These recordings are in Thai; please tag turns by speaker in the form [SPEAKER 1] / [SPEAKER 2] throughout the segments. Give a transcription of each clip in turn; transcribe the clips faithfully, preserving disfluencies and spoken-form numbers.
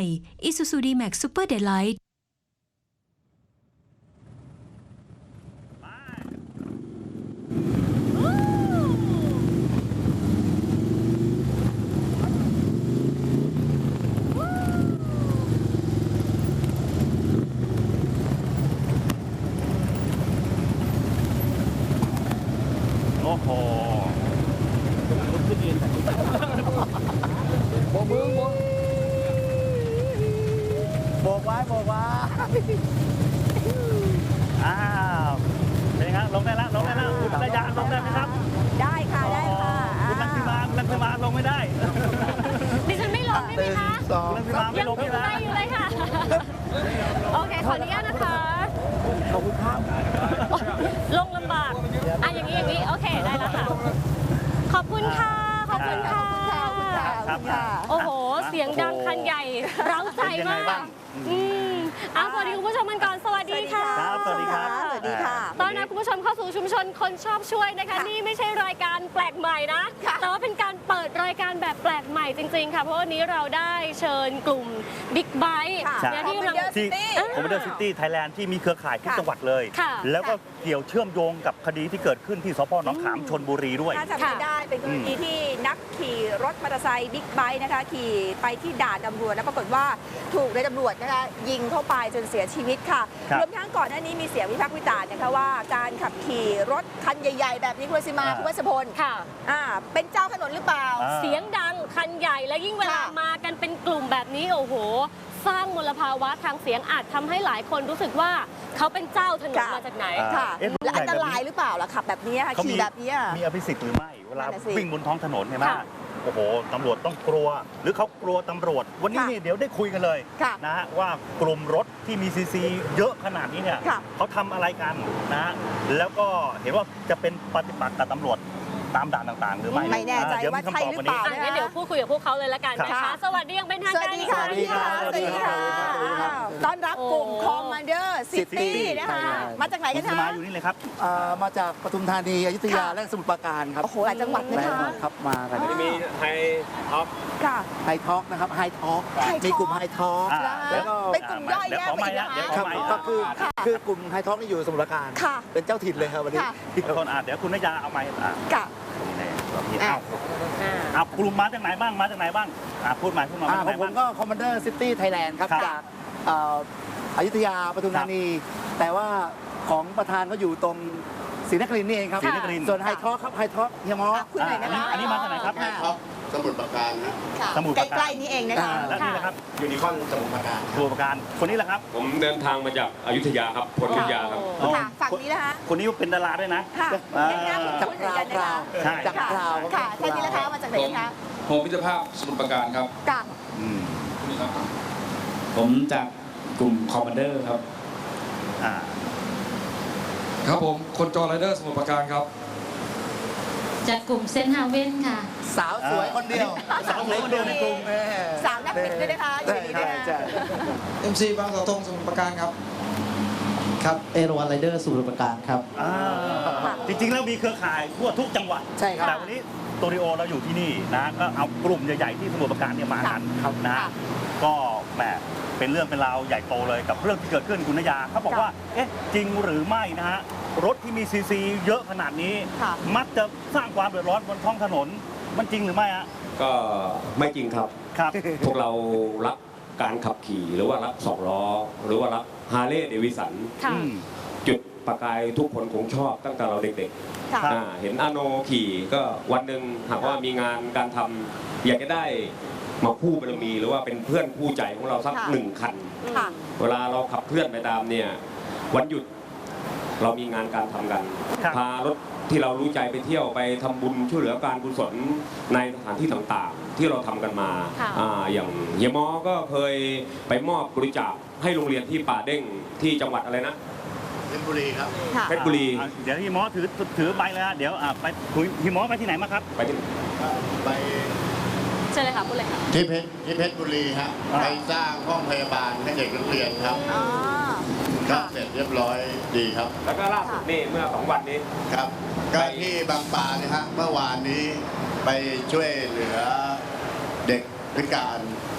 [SPEAKER 1] Isuzu D-Max Super Delight
[SPEAKER 2] โอ้โหโบกมือโบกโบกไว้โบกไว้อ้าวเป็นไงครับลงได้แล้วลงได้แล้วคุณระยะลงได้ไหมครับ
[SPEAKER 3] ได้ค่ะได้ค่ะ
[SPEAKER 2] คุณลังสิมาคุณลังสิมาลงไม่ได้
[SPEAKER 4] ดิฉันไม่ลงได้ไหมคะ
[SPEAKER 2] คุณลังสิมาไม่ลงไม่ได้
[SPEAKER 4] อยู่เลยค่ะโอเคขออนุญาตนะคะ
[SPEAKER 2] ขอบคุณครับ
[SPEAKER 4] ลงลำบากอ่ะอย่างนี้อย่างนี้โอเคได้แล้วค่ะขอบคุณค่ะขอบคุณค่ะโอ้โหเสียงดังคันใหญ่เร้าใจมากอืมอ่ะสวัสดีคุณผู้ชมกันก่อนสวัสดีค่ะ
[SPEAKER 2] ครับสวัสดีครับ
[SPEAKER 3] สวัสดีค่ะ
[SPEAKER 4] ตอนนี้คุณผู้ชมเข้าสู่ชุมชนคนชอบช่วยนะคะนี่ไม่ใช่รายการแปลกใหม่นะแต่ว่าเป็นการเปิดรายการแบบแปลกใหม่จริงๆค่ะเพราะวันนี้เราได้เชิญกลุ่มบิ๊กไบค์
[SPEAKER 2] ที่คอมมานเดอร์ซิตี้ไทยแลนด์ที่มีเครือข่ายทุกจังหวัดเลยแล้วก็เกี่ยวเชื่อมโยงกับคดีที่เกิดขึ้นที่สพหนองขามชลบุรีด้วย
[SPEAKER 3] ถ้าจำไม่ได้เป็นกรณีที่นักขี่รถมอเตอร์ไซค์บิ๊กไบค์นะคะขี่ไปที่ด่านตำรวจแล้วปรากฏว่าถูกนายตำรวจนะคะยิงเข้าไปจนเสียชีวิตค่ะรวมทั้งก่อนหน้านี้มีเสียงวิพากษ์วิจารณ์นะคะว่าการขับขี่รถคันใหญ่ๆแบบนี้คุณรัศมาคุณวัชพล
[SPEAKER 4] ค่ะ
[SPEAKER 3] อ่าเป็นเจ้าถนนหรือเปล่า
[SPEAKER 4] เสียงดังคันใหญ่และยิ่งเวลามากันเป็นกลุ่มแบบนี้โอ้โหสร้างมลภาวะทางเสียงอาจทำให้หลายคนรู้สึกว่าเขาเป็นเจ้าถนนมาจากไหน
[SPEAKER 3] ค่ะและอันตรายหรือเปล่าล่ะขับแบบนี้ค่ะขี่แบบนี้
[SPEAKER 2] มีอภิสิทธิ์หรือไม่เวลาวิ่งบนท้องถนนใช่ไหมโอ้โหตำรวจต้องกลัวหรือเขากลัวตำรวจวันนี้นี่เดี๋ยวได้คุยกันเลยนะฮะว่ากลุ่มรถที่มีซีซีเยอะขนาดนี้เนี่ยเขาทำอะไรกันนะฮะแล้วก็เห็นว่าจะเป็นปฏิปักษ์กับตำรวจตามด่านต่างๆหรือไม่
[SPEAKER 3] ไม่แน่ใจว่าใช่หรือเปล่า
[SPEAKER 4] งั้นเดี๋ยวพูดคุยกับพวกเขาเลยละกันนะคะสวัสดียังเป็นทางการ
[SPEAKER 3] สวัสดีค่ะสวัสดีค่ะต้อนรับกลุ่มคอมมานเดอร์ซิตี้นะคะมาจากไหนกันคะ
[SPEAKER 2] มาอยู่นี่เลยครับ
[SPEAKER 5] มาจากปทุมธานีอยุธยาและสมุทรปราการครับ
[SPEAKER 3] โอ้โหหลายจังหวัดนะคะ
[SPEAKER 5] ครับมากัน
[SPEAKER 6] มีไฮท็อก
[SPEAKER 3] ค่ะ
[SPEAKER 5] ไฮท็อกนะครับไฮท็อกมีกลุ่มไฮท็อก
[SPEAKER 3] แล้วก็เป็นกลุ่มย่อยแยกไป
[SPEAKER 5] นะครับก็คือคือกลุ่มไฮท็อกนี่อยู่สมุทรปราการเป็นเจ้าถิ่นเลยครับวันนี้
[SPEAKER 2] ที่คนอ่านเดี๋ยวคุณนายาเอาไม้อ่าน
[SPEAKER 3] ค่ะ
[SPEAKER 2] เอาเอากลุ่มมาจากไหนบ้างมาจากไหนบ้างพูดมาพูดมา
[SPEAKER 5] ผมก็คอมมานเดอร์ซิตี้ไทยแลนด์ครับจากอยุธยาปทุมธานีแต่ว่าของประธานก็อยู่ตรงศรีนครินทร์นี่เองครับส่วนไฮท็อกครับไฮท็อกเฮียมอ
[SPEAKER 3] คุณไหนนะคะ
[SPEAKER 2] อันนี้มาจากไหนครับ
[SPEAKER 6] ไฮท็อกสมุทรปราการนะ
[SPEAKER 2] สมุทรปราการ
[SPEAKER 3] ใกล้ๆนี่เองนะคะ
[SPEAKER 2] แล้วนี่นะครับ
[SPEAKER 6] ยูนิคอนสมุทรปราการ
[SPEAKER 2] สมุทรปราการคนนี้แหละครับ
[SPEAKER 6] ผมเดินทางมาจากอยุธยาครับพลอยุธยาครับ
[SPEAKER 3] ฝั่งนี้นะคะ
[SPEAKER 2] คนนี้เป็นดาราด้วยนะ
[SPEAKER 3] จากคราวคราว
[SPEAKER 5] จากคราว
[SPEAKER 3] ค่ะท่านนี้นะคะมาจากไหนคะ
[SPEAKER 6] โฮมมิตรภาพสมุทรปราการครับ
[SPEAKER 3] ค่ะ
[SPEAKER 6] ผมจากกลุ่มคอมมานเดอร์ครับ
[SPEAKER 7] ครับผมคนจอไรเดอร์สมุทรปราการครับ
[SPEAKER 4] จากกลุ่มเซนฮาเว่นค่ะ
[SPEAKER 5] สาวสวยคนเดียว
[SPEAKER 2] สาวสวยคนเดียวในกลุ่ม
[SPEAKER 3] สาวนักบินด้วยนะคะอยู่ดีด้วยนะ
[SPEAKER 7] เอ็มซีบางเสาธงสมุทรปราการครับ
[SPEAKER 5] ครับเอราวันไรเดอร์สมุทรปราการครับ
[SPEAKER 2] จริงๆแล้วมีเครือข่ายทั่วทุกจังหวัด
[SPEAKER 5] ใช่ครับ
[SPEAKER 2] แต่วันนี้สตูดิโอเราอยู่ที่นี่นะก็เอากลุ่มใหญ่ๆที่สมุทรปราการเนี่ยมากันนะก็แหมเป็นเรื่องเป็นราวใหญ่โตเลยกับเรื่องที่เกิดขึ้นคุณนยาเขาบอกว่าเอ๊ะจริงหรือไม่นะฮะรถที่มีซีซีเยอะขนาดนี้มักจะสร้างความเดือดร้อนบนท้องถนนมันจริงหรือไม่ฮะ
[SPEAKER 6] ก็ไม่จริงครับ
[SPEAKER 2] ครับ
[SPEAKER 6] พวกเรารักการขับขี่หรือว่ารักสองล้อหรือว่ารักฮาร์เลย์เดวิสันจุดประกายทุกคนคงชอบตั้งแต่เราเด็กๆเห็นอาโนขี่ก็วันหนึ่งหากว่ามีงานการทำอยากจะได้มาคู่บารมีหรือว่าเป็นเพื่อนคู่ใจของเราสักหนึ่งคันเวลาเราขับเคลื่อนไปตามเนี่ยวันหยุดเรามีงานการทำกันพารถที่เรารู้ใจไปเที่ยวไปทำบุญช่วยเหลือการกุศลในสถานที่ต่างๆที่เราทำกันมาอย่างเฮียมอก็เคยไปมอบบริจาคให้โรงเรียนที่ป่าเด้งที่จังหวัดอะไรนะ
[SPEAKER 7] เพชรบุรีครับ
[SPEAKER 6] เพชรบุรี
[SPEAKER 2] เดี๋ยวเฮียมอถือถือใบเลยเดี๋ยวไปคุยเฮียมอไปที่ไหนมาครับ
[SPEAKER 6] ไปที่
[SPEAKER 7] ไป
[SPEAKER 4] เชิญเลยค่ะพูดเลยค่ะ
[SPEAKER 7] ที่เพชรที่เพชรบุรีครับไปสร้างห้องพยาบาลให้เด็กนักเรียนครับก็เสร็จเรียบร้อยดีครับ
[SPEAKER 6] แล้วก็ล่าสุดนี่เมื่อสองวันนี้
[SPEAKER 7] ครับก็ที่บางปาเนี่ยฮะเมื่อวานนี้ไปช่วยเหลือเด็กพิการ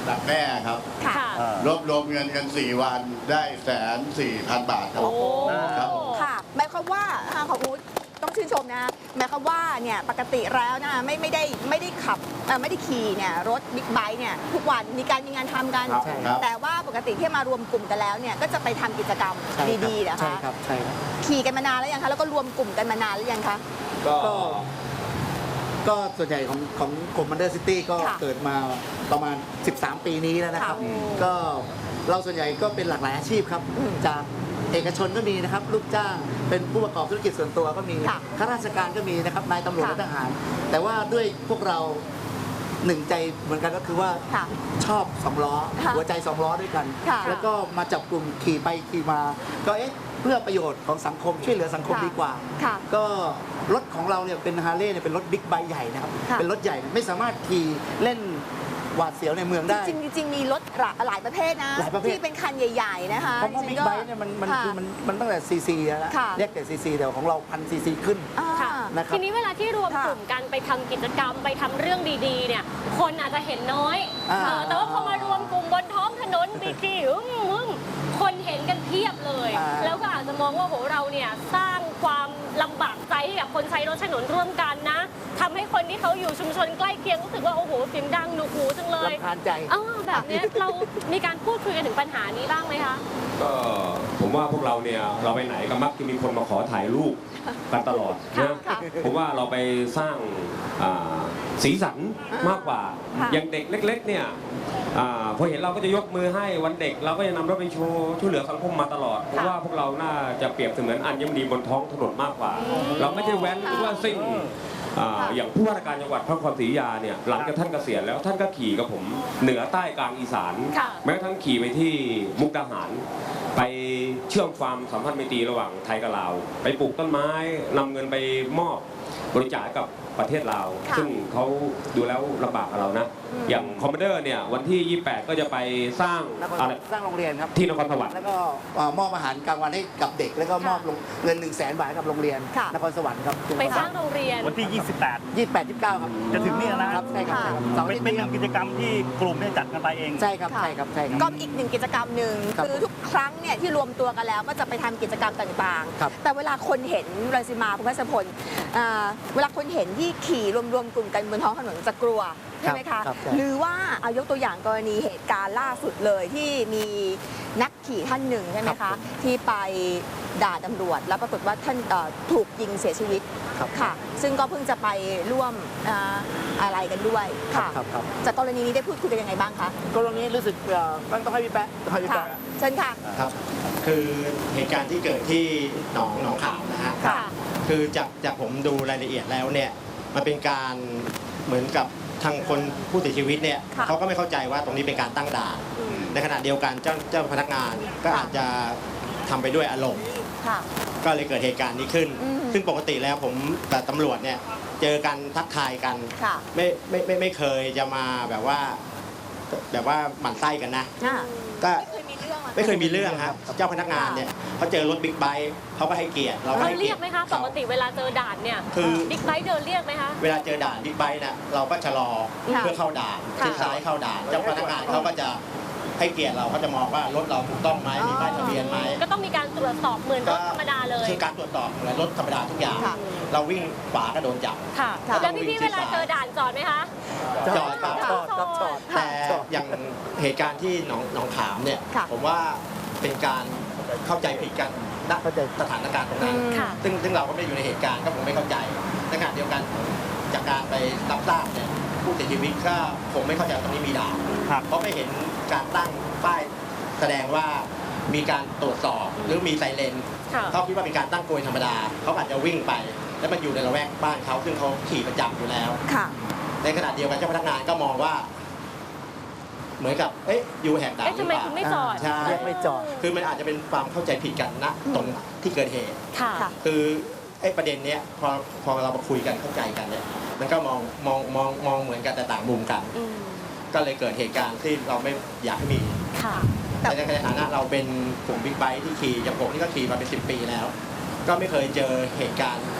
[SPEAKER 7] ดักแด้ครับ
[SPEAKER 3] ค่ะ
[SPEAKER 4] ค่ะ
[SPEAKER 2] อ่าร
[SPEAKER 7] วบรวมเงินกันสี่วันได้แสนสี่พันบาทครับ
[SPEAKER 4] โอ้
[SPEAKER 7] ครับ
[SPEAKER 3] ค่ะหมายความว่าทางของอู๊ดต้องชื่นชมนะหมายความว่าเนี่ยปกติแล้วนะไม่ไม่ได้ไม่ได้ขับเอ่อไม่ได้ขี่เนี่ยรถบิ๊กไบค์เนี่ยทุกวันมีการมีงานทำกัน
[SPEAKER 5] ครับใช่ครับ
[SPEAKER 3] แต่ว่าปกติที่มารวมกลุ่มกันแล้วเนี่ยก็จะไปทำกิจกรรม
[SPEAKER 5] ใช่ครับ
[SPEAKER 3] ดีๆนะ
[SPEAKER 5] ใช่
[SPEAKER 3] คะ
[SPEAKER 5] ครับใช่ครับ
[SPEAKER 3] ขี่กันมานานแล้วยังคะแล้วก็รวมกลุ่มกันมานานหรือยังคะ
[SPEAKER 6] ก็
[SPEAKER 5] ก็ก็ส่วนใหญ่ของของกลุ่มมันเดอร์ซิตี้ก็
[SPEAKER 3] ค่ะ
[SPEAKER 5] เกิดมาประมาณ สิบสาม ปีนี้แล้วนะครับ
[SPEAKER 3] ค่ะ
[SPEAKER 5] ก็เราส่วนใหญ่ก็เป็นหลากหลายอาชีพครับ
[SPEAKER 3] อืม
[SPEAKER 5] จากเอกชนก็มีนะครับลูกจ้างเป็นผู้ประกอบธุรกิจส่วนตัวก็มี
[SPEAKER 3] ค่ะ
[SPEAKER 5] ข้าราชการก็มีนะครับนายตำรวจ
[SPEAKER 3] ค่ะ
[SPEAKER 5] และทหาร แต่ว่าด้วยพวกเราหนึ่งใจเหมือนกันก็คือว่า
[SPEAKER 3] ค่ะ
[SPEAKER 5] ชอบสองล้อ
[SPEAKER 3] ค่ะ
[SPEAKER 5] หัวใจสองล้อด้วยกัน
[SPEAKER 3] ค่ะ
[SPEAKER 5] แล้วก็มาจับกลุ่มขี่ไปขี่มา ก็เอ๊ะเพื่อประโยชน์ของสังคมช่วยเหลือสังคม
[SPEAKER 3] ค่ะ
[SPEAKER 5] ดีกว่า
[SPEAKER 3] ค่ะ
[SPEAKER 5] ก็รถของเราเนี่ยเป็นฮาร์เลย์เนี่ยเป็นรถบิ๊กไบค์ใหญ่นะครับ
[SPEAKER 3] ค่ะ
[SPEAKER 5] เป็นรถใหญ่ไม่สามารถขี่เล่นหวาดเสียวในเมืองได้
[SPEAKER 3] จริงๆจริงๆมีรถหลายประเภทนะ
[SPEAKER 5] หลายประเภท
[SPEAKER 3] ที่เป็นคันใหญ่ๆนะคะ
[SPEAKER 5] เพราะว่าบิ๊กไบค์เนี่ยมันมัน
[SPEAKER 3] ค่ะ
[SPEAKER 5] คือมันมันตั้งแต่ซีซีแล้ว
[SPEAKER 3] ค่ะ
[SPEAKER 5] เรียกแต่ซีซีแต่ของเราพันซีซีขึ้น
[SPEAKER 3] อ่า
[SPEAKER 4] ค่ะ
[SPEAKER 5] นะครับ
[SPEAKER 4] ทีนี้เวลาที่รวม
[SPEAKER 3] ค่ะ
[SPEAKER 4] กลุ่มกันไปทำกิจกรรมไปทำเรื่องดีๆ เนี่ย คนอาจจะเห็นน้อย
[SPEAKER 5] อ่า
[SPEAKER 4] เออแต่ว่าพอมารวมกลุ่มบนท้องถนนบีกีอึ้งมึงคนเห็นกันเพียบเลย
[SPEAKER 5] อ่า
[SPEAKER 4] แล้วก็อาจจะมองว่าโหเราเนี่ยสร้างความลำบากใจให้กับคนใช้รถถนนร่วมกันนะทำให้คนที่เขาอยู่ชุมชนใกล้เคียงรู้สึกว่าโอ้โหเสียงดังหนวกหูจังเลย
[SPEAKER 5] รำคาญใจ
[SPEAKER 4] เออแบบเนี้ยเรามีการพูดคุยกันถึงปัญหานี้บ้างไหมคะ
[SPEAKER 6] ก็ผมว่าพวกเราเนี่ยเราไปไหนก็มักจะมีคนมาขอถ่ายรูปกันตลอดนะ
[SPEAKER 3] ค่ะ
[SPEAKER 6] ผมว่าเราไปสร้างอ่าสีสันมากกว่า
[SPEAKER 3] ค่ะ
[SPEAKER 6] อย่างเด็กเล็ก ๆ เนี่ยอ่าพอเห็นเราก็จะยกมือให้วันเด็กเราก็จะนำรถไปโชว์ช่วยเหลือสังคมมาตลอดผมว่าพวกเราน่าจะเปรียบเสมือนอัญมณีบนท้องถนนมากกว่า เราไม่ได้แว้นหรือว่าซิ่งอ่าอย่างผู้ว่าราชการจังหวัดพระนครศรีอยุธยาเนี่ยหลังจากท่านเกษียณแล้วท่านก็ขี่กับผมเหนือใต้กลางอีสาน
[SPEAKER 4] ค่ะ
[SPEAKER 6] แม้กระทั่งขี่ไปที่มุกดาหาร ไปเชื่อมความสัมพันธ์ไมตรีระหว่างไทยกับลาว ไปปลูกต้นไม้นำเงินไปมอบบริจาคกับประเทศลาว
[SPEAKER 3] ค่ะ
[SPEAKER 6] ซึ่งเขาดูแล้วลำบากกับเรานะ
[SPEAKER 3] อืม
[SPEAKER 6] อย่างคอมมานเดอร์เนี่ยวันที่ ยี่สิบแปด ก็จะไปสร้าง
[SPEAKER 5] นคร
[SPEAKER 6] อะไร
[SPEAKER 5] สร้างโรงเรียนครับ
[SPEAKER 6] ที่นครสวรรค์
[SPEAKER 5] แล้วก็เอ่อมอบอาหารกลางวันให้กับเด็ก แล้วก็มอบลงเงินหนึ่งแสนบาทให้กับโรงเรียน
[SPEAKER 3] ค่ะ
[SPEAKER 5] นครสวรรค์ครับ
[SPEAKER 4] ไปสร้างโรงเรียน
[SPEAKER 2] วันที่ ยี่สิบแปด
[SPEAKER 5] ยี่สิบแปด ยี่สิบเก้าครับ
[SPEAKER 2] จะถึงนี่แล้วนะ
[SPEAKER 5] ครับใช่ครับใช่ครับเสาร์
[SPEAKER 2] เป็น
[SPEAKER 5] อาทิตย์
[SPEAKER 2] เป็น
[SPEAKER 5] นี้ครับ
[SPEAKER 2] กิจกรรมที่กลุ่มเนี่ยจัดกันไปเอง
[SPEAKER 5] ใช่ครับ
[SPEAKER 3] ค่ะ
[SPEAKER 5] ใช่ครับใช่ครับ
[SPEAKER 3] ก็อีกหนึ่งกิจกรรมหนึ่ง
[SPEAKER 5] ครับ
[SPEAKER 3] คือทุกครั้งเนี่ยที่รวมตัวกันแล้วก็จะไปทำกิจกรรมต่าง
[SPEAKER 5] ครับ
[SPEAKER 3] ๆ แต่เวลาคนเห็นรังสิมาคุณพัชพลอ่าเวลาคนเห็นที่ขี่รวมๆกลุ่มกันบนท้องถนนจะกลัวใช่ไหมคะ
[SPEAKER 5] ครับใช่
[SPEAKER 3] หรือว่าเอายกตัวอย่างกรณีเหตุการณ์ล่าสุดเลยที่มีนักขี่ท่านหนึ่งใช่ไหม
[SPEAKER 5] ครั
[SPEAKER 3] คะ
[SPEAKER 5] บผม
[SPEAKER 3] ที่ไปด่าตำรวจ แล้วปรากฏว่าท่านเอ่อถูกยิงเสียชีวิต
[SPEAKER 5] ครับ
[SPEAKER 3] ค่ะ ซึ่งก็เพิ่งจะไปร่วมอ่าอะไรกันด้วยค่ะ
[SPEAKER 5] ครับครับ
[SPEAKER 3] จากกรณีนี้ได้พูดคุยกันยังไงบ้างคะ
[SPEAKER 5] กรณีรู้สึกเอ่อต้องต้องให้พี่แป๊ะต้องให้พี่
[SPEAKER 3] ค่ะ
[SPEAKER 5] แป๊ะ
[SPEAKER 3] เชิญค่ะ
[SPEAKER 8] ครับ คือเหตุการณ์ที่เกิดที่หนองหนองขาวนะฮะ
[SPEAKER 3] ค่ะ
[SPEAKER 8] คือจากจากผมดูรายละเอียดแล้วเนี่ย มันเป็นการเหมือนกับทางคนผู้เสียชีวิตเนี่ย
[SPEAKER 3] ค่ะ
[SPEAKER 8] เขาก็ไม่เข้าใจว่าตรงนี้เป็นการตั้งด่าน
[SPEAKER 3] อืม
[SPEAKER 8] ในขณะเดียวกันเจ้าเจ้าพนักงานก็
[SPEAKER 3] ค่ะ
[SPEAKER 8] อาจจะทำไปด้วยอารมณ์
[SPEAKER 3] ค่ะ
[SPEAKER 8] ก็เลยเกิดเหตุการณ์นี้ขึ้น
[SPEAKER 3] อืม
[SPEAKER 8] ซึ่งปกติแล้วผมกับตำรวจเนี่ยเจอกันทักทายกัน
[SPEAKER 3] ค่ะ
[SPEAKER 8] ไม่ไม่ไม่ไม่เคยจะมาแบบว่า แบบว่าหมั่นไส้กันนะ
[SPEAKER 3] อ่า
[SPEAKER 8] ก็
[SPEAKER 3] ไม่เคยมีเรื่องอะ
[SPEAKER 8] ไม่เคยมีเรื่องครับ เจ้าพนักงานเนี่ยเขาเจอรถบิ๊กไบค์เขาก็ให้เกียรติเราก็
[SPEAKER 4] เรา
[SPEAKER 8] ให้
[SPEAKER 4] เรี
[SPEAKER 8] เกีย
[SPEAKER 4] ย
[SPEAKER 8] ร
[SPEAKER 4] ก
[SPEAKER 8] ติ
[SPEAKER 4] ไหมคะ ป
[SPEAKER 8] เขา
[SPEAKER 4] กติเวลาเจอด่านเนี่ย
[SPEAKER 8] คือ
[SPEAKER 4] บิ๊กไบค์เดินเรียกไหมคะ
[SPEAKER 8] เวลาเจอด่านบิ๊กไบค์นะเราก็ชะลอ
[SPEAKER 3] ค่ะ
[SPEAKER 8] เพื่อเข้าด่าน
[SPEAKER 3] ค่ะ
[SPEAKER 8] ชิดซ้ายเข้าด่าน เจ้าพนักงานเขาก็จะให้เกียรติเราเขาจะมองว่ารถเราถูกต้องไหมมีป้ายทะเบียนไหม
[SPEAKER 4] ก็ต้องมีการตรวจสอบเหมือนรถธรรมดาเลย
[SPEAKER 8] คือการตรวจสอบเหมือนรถธรรมดาทุกอย่าง
[SPEAKER 3] ค่ะ
[SPEAKER 8] เราวิ่งขวาก็โดนจับ
[SPEAKER 4] ค่ะ
[SPEAKER 3] ค่ะ
[SPEAKER 4] แล้วพี่ๆเวลาเจอด่านจอดไหมคะ
[SPEAKER 8] จอดครับ
[SPEAKER 5] จอดครับจอด
[SPEAKER 8] แต่อย่างเหตุการณ์ที่หนองหนองขามเนี่ย
[SPEAKER 3] ค่ะ
[SPEAKER 8] ผมว่าเป็นการเข้าใจผิดกันณ
[SPEAKER 5] เข้าใจ
[SPEAKER 8] สถานการณ์ตรงนั้น
[SPEAKER 4] ค่ะ
[SPEAKER 8] ซึ่งซึ่งเราก็ไม่ได้อยู่ในเหตุการณ์ก็ผมไม่เข้าใจในขณะเดียวกันจากการไปรับทราบเนี่ยผู้เสียชีวิตก็คงไม่เข้าใจว่าตรงนี้มีด่าน
[SPEAKER 2] ครับ
[SPEAKER 8] เพราะไม่เห็นการตั้งป้ายแสดงว่ามีการตรวจสอบหรือมีไซเรน
[SPEAKER 4] ค่ะ
[SPEAKER 8] เขาคิดว่าเป็นการตั้งโกยธรรมดาเขาอาจจะวิ่งไป แล้วมันอยู่ในละแวกบ้านเขาซึ่งเขาขี่ประจำอยู่แล้ว
[SPEAKER 3] ค่ะ
[SPEAKER 8] ในขณะเดียวกันเจ้าพนักงานก็มองว่า เหมือนกับเอ๊ะอยู่แหกด่าน
[SPEAKER 4] เอ๊ะ
[SPEAKER 8] หรื
[SPEAKER 4] ทำ
[SPEAKER 8] อ
[SPEAKER 4] ไม
[SPEAKER 8] เปล่า
[SPEAKER 4] คุณไม่จอด
[SPEAKER 8] ใช่
[SPEAKER 5] เรียกไม่จอด
[SPEAKER 8] คือมันอาจจะเป็นความเข้าใจผิดกันณตรงที่เกิดเหตุ
[SPEAKER 4] ค่ะ
[SPEAKER 3] ค่ะ
[SPEAKER 8] คือไอ้ประเด็นเนี้ยพอพอเรามาคุยกันเข้าใจกันเนี่ยมันก็มองมองมองมองเหมือนกันแต่ต่างมุมกัน
[SPEAKER 4] อืม
[SPEAKER 8] ก็เลยเกิดเหตุการณ์ที่เราไม่อยากให้มี
[SPEAKER 4] ค่ะ
[SPEAKER 8] แต่ในฐานะเราเป็นกลุ่มบิ๊กไบค์ที่ขี่อย่างผมนี่ก็ขี่มาเป็นสิบปีแล้ว ก็ไม่เคยเจอเหตุการณ์